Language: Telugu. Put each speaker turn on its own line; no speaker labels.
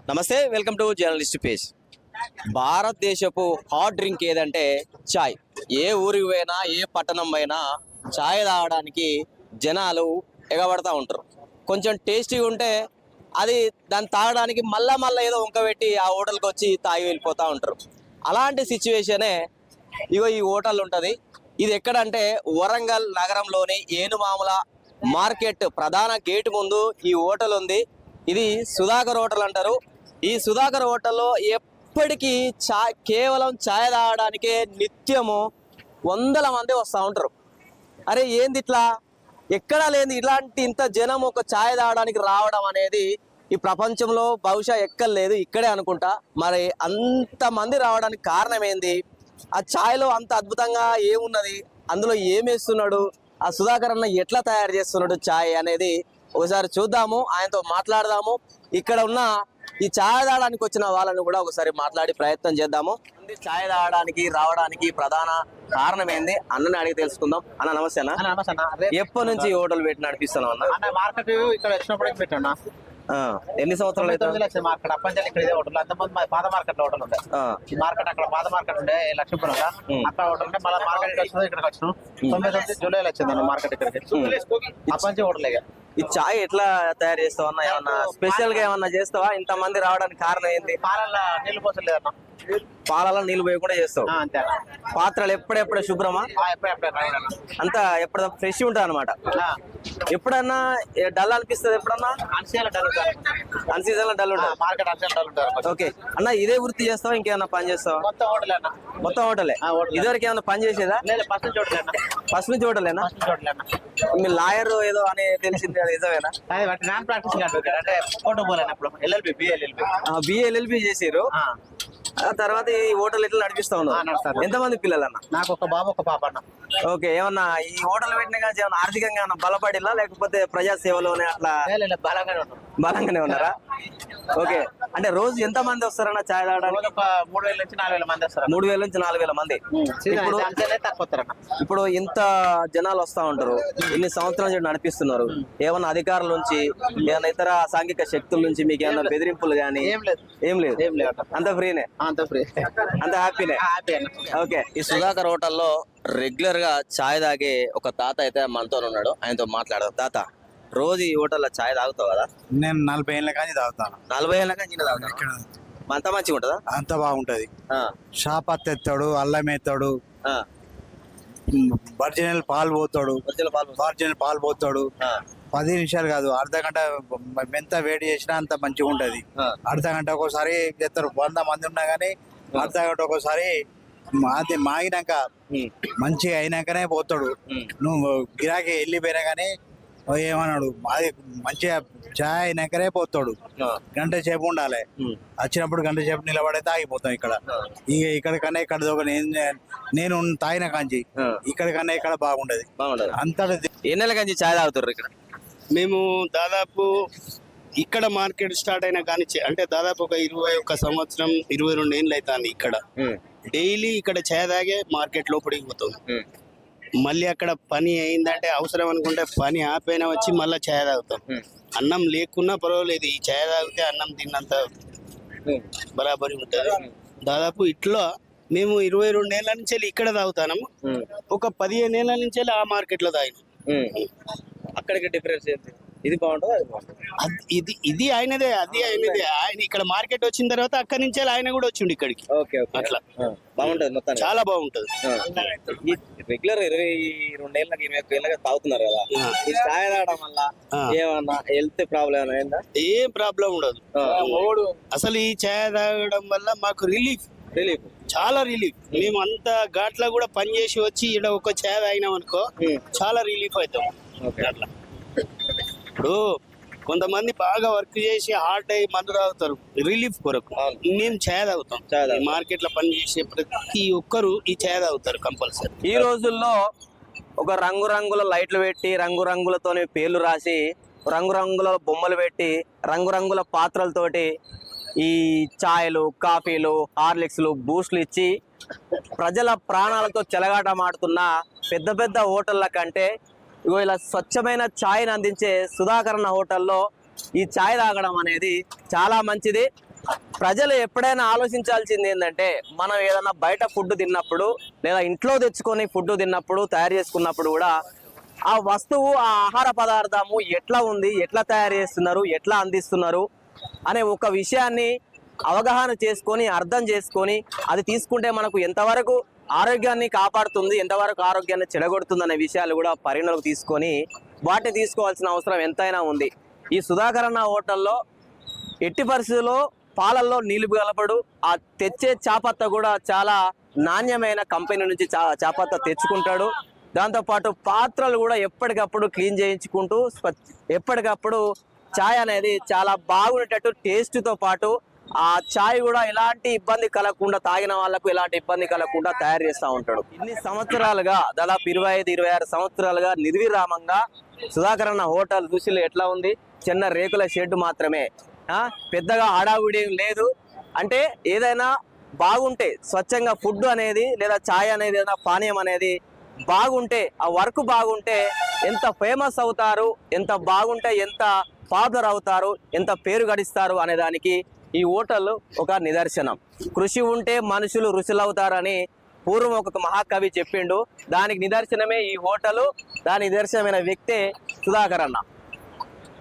నమస్తే, వెల్కమ్ టు జర్నలిస్ట్ పేజ్. భారతదేశపు హాట్ డ్రింక్ ఏదంటే చాయ్. ఏ ఊరికి పోయినా, ఏ పట్టణం పోయినా చాయ్ తాగడానికి జనాలు ఎగబడతా ఉంటారు. కొంచెం టేస్టీగా ఉంటే అది దాన్ని తాగడానికి మళ్ళా ఏదో వంకబెట్టి ఆ హోటల్కి వచ్చి తాగి వెళ్ళిపోతూ ఉంటారు. అలాంటి సిచ్యువేషనే ఇగో ఈ హోటల్ ఉంటుంది. ఇది ఎక్కడంటే వరంగల్ నగరంలోని ఏనుమాముల మార్కెట్ ప్రధాన గేటు ముందు ఈ హోటల్ ఉంది. ఇది సుధాకర్ హోటల్ అంటారు. ఈ సుధాకర్ హోటల్లో ఎప్పటికీ కేవలం ఛాయ్ తాగడానికే నిత్యము వందల మంది వస్తూ ఉంటారు. అరే ఏంది ఇట్లా, ఎక్కడా లేని ఇలాంటి ఇంత జనం ఒక ఛాయ్ తాగడానికి రావడం అనేది ఈ ప్రపంచంలో బహుశా ఎక్కలేదు, ఇక్కడే అనుకుంటా. మరి అంతమంది రావడానికి కారణం ఏంది? ఆ ఛాయ్లో అంత అద్భుతంగా ఏమున్నది, అందులో ఏమేస్తున్నాడు, ఆ సుధాకర్ అన్న ఎట్లా తయారు చేస్తున్నాడు ఛాయ్ అనేది ఒకసారి చూద్దాము, ఆయనతో మాట్లాడదాము. ఇక్కడ ఉన్న ఈ ఛాయ్ తాగడానికి వచ్చిన వాళ్ళని కూడా ఒకసారి మాట్లాడి ప్రయత్నం చేద్దాము. ఛాయ్ తాగడానికి రావడానికి ప్రధాన కారణం ఏంది అన్నని అడిగి తెలుసుకుందాం. అన్న నమస్తే అన్న.
నమస్తే అన్న.
ఎప్పటి నుంచి హోటల్ పెట్టి నడిపిస్తున్నాం
అన్న? మార్కెట్ ఇక్కడ వచ్చినప్పుడు పెట్టాను.
ఎన్ని సంవత్సరాలు అయితే
మార్కెట్ అప్పంచాలి ఇక్కడ ఇదే హోటల్. అంతమంది పాత మార్కెట్ లో హోటల్ ఉండే. ఈ మార్కెట్ అక్కడ పాత మార్కెట్ ఉండే లక్ష్మీపురం అక్కడ హోటల్ ఉంటే మళ్ళీ మార్కెట్ వచ్చింది ఇక్కడికి వచ్చినాం. 99 జూలైలో వచ్చింది మార్కెట్ ఇక్కడికి. అప్పంచి హోటల్.
ఈ చాయ్ ఎట్లా తయారు చేస్తావు అన్న? ఏమన్నా స్పెషల్ గా ఏమన్నా చేస్తావా? ఇంత మంది రావడానికి కారణం ఏంటి?
పాలల్లో నీళ్లు పోసలేదన్న.
పాలలో నీళ్లు పోయి కూడా చేస్తావు?
అంతే.
పాత్రలు ఎప్పుడెప్పుడే శుభ్రమా? అంతా ఎప్పుడు ఫ్రెష్ ఉంటుంది అనమాట. ఎప్పుడన్నా డల్ అనిపిస్తుంది? ఎప్పుడన్నా అన్సీజన్ లో డల్ ఉంటుంది.
మార్కెట్ అన్సీజన్ డల్ ఉంటుంది.
ఓకే అన్న, ఇదే వృత్తి చేస్తావా ఇంకేమన్నా పని చేస్తావా?
మొత్తం హోటల్ అన్న.
మొత్తం హోటలే. ఇదివరకు ఏమన్నా పని చేసేదా?
ఫస్ట్ నుంచి హోటల్ అన్న.
ఫస్ట్ నుంచి హోటలేనా? మీ లాయర్ ఏదో అని తెలిసింది, అది నిజమేనా?
నాన్ ప్రాక్టీసింగ్ అంటే ఫోటో పోలేనప్పుడు ఎల్ఎల్బి
బిఎల్ఎల్బి చేసారు. ఆ తర్వాత ఈ హోటల్ ఎట్లా నడిపిస్తా ఉన్నారు? ఎంతమంది పిల్లలు అన్న?
నాకు ఒక బాబు ఒక పాప అన్న.
ఓకే, ఏమన్నా ఈ హోటల్ పెట్టిన కానీ ఏమన్నా ఆర్థికంగా ఏమన్నా బలపడిలా, లేకపోతే ప్రజా సేవలోనే అట్లా బలంగానే ఉన్నారా? ఓకే, అంటే రోజు ఎంత మంది వస్తారన్న ఛాయ్ తాగడానికి?
3000 నుంచి 4000 మంది వస్తారు.
3000 నుంచి 4000 మంది. ఇప్పుడు ఇంత జనాలు వస్తా ఉంటారు, ఇన్ని సంవత్సరాల నుంచి నడిపిస్తున్నారు. ఏమన్నా అధికారుల నుంచి, ఏమన్నా ఇతర సాంఘిక శక్తుల నుంచి మీకు ఏమన్నా బెదిరింపులు కానీ? ఏం లేదు, అంత ఫ్రీనే, అంత హ్యాపీనే. ఓకే, ఈ సుధాకర్ హోటల్లో రెగ్యులర్ గా ఛాయ్ తాగే ఒక తాత అయితే మనతో ఉన్నాడు, ఆయనతో మాట్లాడదాం. తాత, రోజు ఈ హోటల్లో ఛాయ్ తాగుతావు కదా?
నేను 40 ఏళ్ళ కానీ తాగుతాను.
40 ఏళ్ళ కానీ తాగుతాను. అంత మంచిగా ఉంటుందా?
అంత బాగుంటది. షాపత్ ఎత్తాడు, అల్లం ఎత్తాడు, ఒరిజినల్ పాలు పోతాడు. 10 నిమిషాలు కాదు, అర్ధ గంట ఎంత వేడి చేసినా అంత మంచిగా ఉంటది. అర్ధ గంట ఒక్కోసారి చేస్తారు. 100 మంది ఉన్నా గానీ అర్ధ గంట ఒక్కోసారి అది మాగినాక మంచిగా అయినాకనే పోతాడు. నువ్వు గిరాకీ వెళ్ళిపోయినా గానీ ఏమన్నాడు, అది మంచిగా ఛాయ్ అయినాకనే పోతాడు. గంట సేపు ఉండాలి. వచ్చినప్పుడు గంట సేపు నిలబడైతే ఆగిపోతాం. ఇక్కడ కన్నా ఇక్కడ నేను తాగిన కాంచి ఇక్కడ కన్నా ఇక్కడ బాగుండదు. అంతటా
ఏ నెల కాంచి ఛాయ్ తాగుతారు ఇక్కడ?
మేము దాదాపు ఇక్కడ మార్కెట్ స్టార్ట్ అయినా కానీ అంటే దాదాపు ఒక 21 సంవత్సరం 22 ఏళ్ళు అవుతుంది. ఇక్కడ డైలీ ఇక్కడ ఛాయ్ తాగే మార్కెట్ లోపలికి పోతాం. మళ్ళీ అక్కడ పని అయిందంటే అవసరం అనుకుంటే పని ఆపైనా వచ్చి మళ్ళీ ఛాయ్ తాగుతాం. అన్నం లేకున్నా పర్వాలేదు, ఈ ఛాయ్ తాగితే అన్నం తిన్నంత బరాబరి ఉంటుంది. దాదాపు ఇట్లా మేము 22 ఏళ్ళ నుంచి ఇక్కడ తాగుతాము. ఒక 15 ఏళ్ళ నుంచి ఆ మార్కెట్ లో తాగినాం.
అక్కడికి డిఫరెన్స్ ఏంటి? ఇది బాగుంటుంది, అది బాగుంటుంది.
ఇది ఆయనదే, అది ఆయనదే. ఆయన ఇక్కడ మార్కెట్ వచ్చిన తర్వాత అక్కడి నుంచి ఆయన కూడా వచ్చిండు ఇక్కడికి. అట్లా
బాగుంటది, మొత్తం చాలా
బాగుంటది.
రెగ్యులర్ 22 ఏళ్ళకి 21 ఏళ్ళకి తాగుతున్నారు కదా, ఈ ఛాయ్ తాగడం వల్ల ఏమన్నా హెల్త్ ప్రాబ్లం అయిందా?
ఏం ప్రాబ్లం ఉండదు అసలు. ఈ ఛాయ్ తాగడం వల్ల మాకు రిలీఫ్ చాలా రిలీఫ్. మేము అంత ఘాట్లో కూడా పని చేసి వచ్చి ఇక్కడ ఒక ఛాయ్ తాగినాం అనుకో చాలా రిలీఫ్ అవుతాం. అట్లా ఇప్పుడు కొంతమంది బాగా వర్క్ చేసి హార్డ్ అయ్యి మందు తాగుతారు రిలీఫ్ కొరకు. మేము ఛాయ్ తాగుతాం. మార్కెట్ లో పని చేసే ప్రతి ఒక్కరు ఈ ఛాయ్ తాగుతారు కంపల్సరీ.
ఈ రోజుల్లో ఒక రంగురంగుల లైట్లు పెట్టి, రంగురంగులతోని పేర్లు రాసి, రంగురంగుల బొమ్మలు పెట్టి, రంగురంగుల పాత్రలతోటి ఈ ఛాయ్లు, కాఫీలు, హార్లిక్స్లు, బూస్ట్లు ఇచ్చి ప్రజల ప్రాణాలతో చెలగాటమాడుతున్న పెద్ద పెద్ద హోటళ్ళ కంటే ఇగో ఇలా స్వచ్ఛమైన ఛాయ్ని అందించే సుధాకర్ హోటల్లో ఈ ఛాయ్ తాగడం అనేది చాలా మంచిది. ప్రజలు ఎప్పుడైనా ఆలోచించాల్సింది ఏంటంటే మనం ఏదైనా బయట ఫుడ్ తిన్నప్పుడు లేదా ఇంట్లో తెచ్చుకొని ఫుడ్ తిన్నప్పుడు తయారు చేసుకున్నప్పుడు కూడా ఆ వస్తువు ఆ ఆహార పదార్థము ఎట్లా ఉంది, ఎట్లా తయారు చేస్తున్నారు, ఎట్లా అందిస్తున్నారు అనే ఒక విషయాన్ని అవగాహన చేసుకొని అర్థం చేసుకొని అది తీసుకుంటే మనకు ఎంతవరకు ఆరోగ్యాన్ని కాపాడుతుంది, ఎంతవరకు ఆరోగ్యాన్ని చెడగొడుతుంది అనే విషయాలు కూడా పరిగణలోకి తీసుకొని వాటిని తీసుకోవాల్సిన అవసరం ఎంతైనా ఉంది. ఈ సుధాకర్ అన్న హోటల్లో ఎట్టి పరిస్థితుల్లో పాలల్లో నీళ్లు కలపడు. ఆ తెచ్చే చాపత్త కూడా చాలా నాణ్యమైన కంపెనీ నుంచి చాపత్త తెచ్చుకుంటాడు. దాంతోపాటు పాత్రలు కూడా ఎప్పటికప్పుడు క్లీన్ చేయించుకుంటూ ఎప్పటికప్పుడు చాయ్ అనేది చాలా బాగుండేటట్టు టేస్ట్తో పాటు ఆ చాయ్ కూడా ఎలాంటి ఇబ్బంది కలగకుండా, తాగిన వాళ్ళకు ఎలాంటి ఇబ్బంది కలగకుండా తయారు చేస్తూ ఉంటాడు. ఇన్ని సంవత్సరాలుగా దాదాపు 25-26 సంవత్సరాలుగా నిర్విరామంగా సుధాకర్ అన్న హోటల్ రుచులు ఎట్లా ఉంది? చిన్న రేకుల షెడ్ మాత్రమే, పెద్దగా హడావుడి లేదు. అంటే ఏదైనా బాగుంటే స్వచ్ఛంగా ఫుడ్ అనేది లేదా ఛాయ్ అనేది ఏదైనా పానీయం అనేది బాగుంటే, ఆ వర్క్ బాగుంటే ఎంత ఫేమస్ అవుతారు, ఎంత బాగుంటే ఎంత పాపులర్ అవుతారు, ఎంత పేరు గడిస్తారు అనే దానికి ఈ హోటల్ ఒక నిదర్శనం. కృషి ఉంటే మనుషులు రుచులవుతారని పూర్వం ఒక మహాకవి చెప్పిండు. దానికి నిదర్శనమే ఈ హోటలు, దాని నిదర్శనమైన వ్యక్తే సుధాకర్ అన్న.